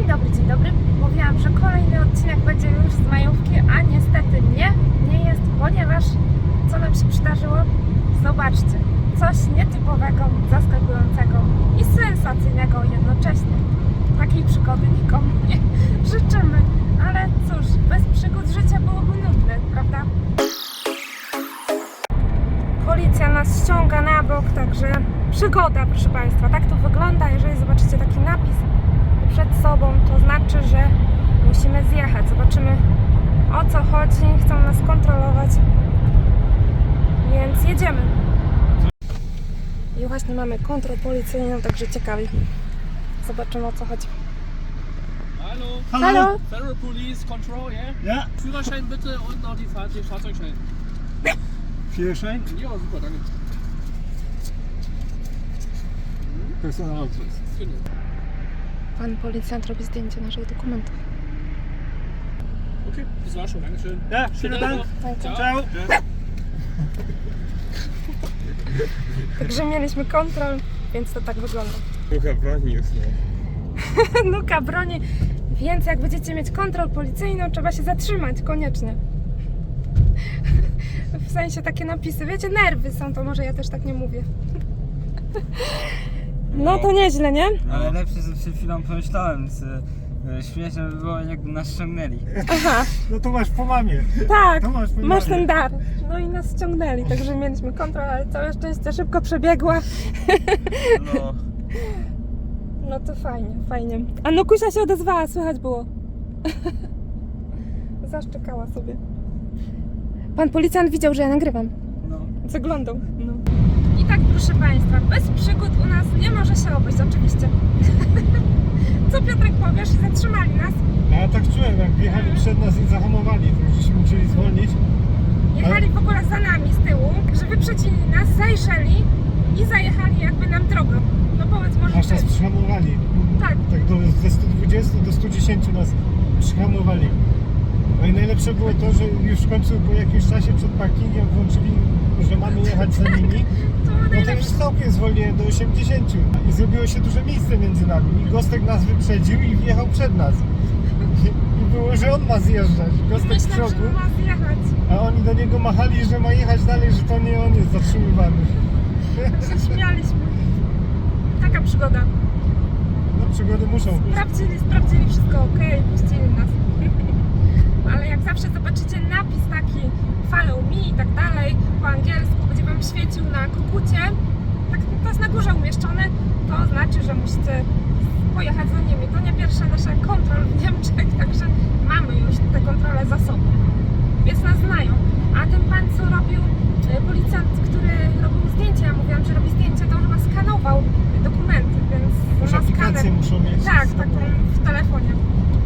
dzień dobry. Mówiłam, że kolejny odcinek będzie już z majówki, a niestety nie jest, ponieważ co nam się przydarzyło? Zobaczcie, coś nietypowego, zaskakującego i sensacyjnego jednocześnie. Takiej przygody nikomu nie życzymy, ale cóż, bez przygód życie byłoby nudne, prawda? Policja nas ściąga na bok, także przygoda, proszę Państwa. Tak to wygląda, jeżeli zobaczycie taki napis przed sobą, to znaczy, że musimy zjechać. Zobaczymy, o co chodzi, chcą nas kontrolować, więc jedziemy. I właśnie mamy kontrolę policyjną, także ciekawi. Zobaczymy, o co chodzi. Hallo. Hallo. Federal Police Control, ja? Ja, Führerschein bitte und noch den Fahrzeugschein. Führerschein, Ja, super, danke. Personalausweis. Genau. Pan policjant robi zdjęcie naszych dokumentów. Okay, das war schon, Dankeschön. Ja, vielen Dank. Ciao. Ciao. Także mieliśmy kontrol, więc to tak wygląda. Trochę broni już nie. Nuka broni, więc jak będziecie mieć kontrolę policyjną, trzeba się zatrzymać, koniecznie. W sensie takie napisy, wiecie, nerwy są, to może ja też tak nie mówię. No to nieźle, nie? Ale lepsze, że przed chwilą pomyślałem, że śmieszne by było, jakby nas ściągnęli. Aha, No to masz po mamie. tak, To masz po masz mamie. ten dar. No i nas ściągnęli, także mieliśmy kontrolę, ale całe szczęście szybko przebiegła. No. No to fajnie, fajnie. A Nukusia się odezwała, słychać było. Zaszczekała sobie. Pan policjant widział, że ja nagrywam. No. Zaglądał. No. I tak, proszę Państwa, bez przygód u nas nie może się obejść, oczywiście. Co Piotrek powiesz? Zatrzymali nas. A ja tak czułem, jak wjechali przed nas i zahamowali, to żeśmy musieli zwolnić. Jechali w ogóle za nami z tyłu, że wyprzedzili nas, zajrzeli i zajechali jakby nam drogą. No powiedz może Aż nas ty. przyhamowali. Tak. Tak ze 120 do 110 nas przyhamowali. No i najlepsze było to, że już w końcu po jakimś czasie przed parkingiem włączyli, że mamy jechać za nimi. To było No to już najlepsze. całkiem zwolniłem do 80 i zrobiło się duże miejsce między nami. I Gostek nas wyprzedził i wjechał przed nas. I było, że on ma zjeżdżać. Gostek w Myślałam, szoku, że ma zjechać. a oni do niego machali, że ma jechać dalej, że to nie on jest zatrzymywany. Się śmialiśmy. Taka przygoda. No przygody muszą być. Sprawdzili wszystko ok, puścili nas. Ale jak zawsze zobaczycie napis taki follow me i tak dalej po angielsku, będzie Wam świecił na kukucie, tak, to jest na górze umieszczone, to znaczy, że musicie pojechać za nimi. To nie pierwsza nasza kontrola w Niemczech, także mamy już te kontrole za sobą, więc nas znają. A ten pan, co robił, policjant, który robił zdjęcia, ja mówiłam, że robi zdjęcia, to on chyba skanował dokumenty, więc Już ma aplikacje skaner. muszą mieć. Tak, taką w telefonie.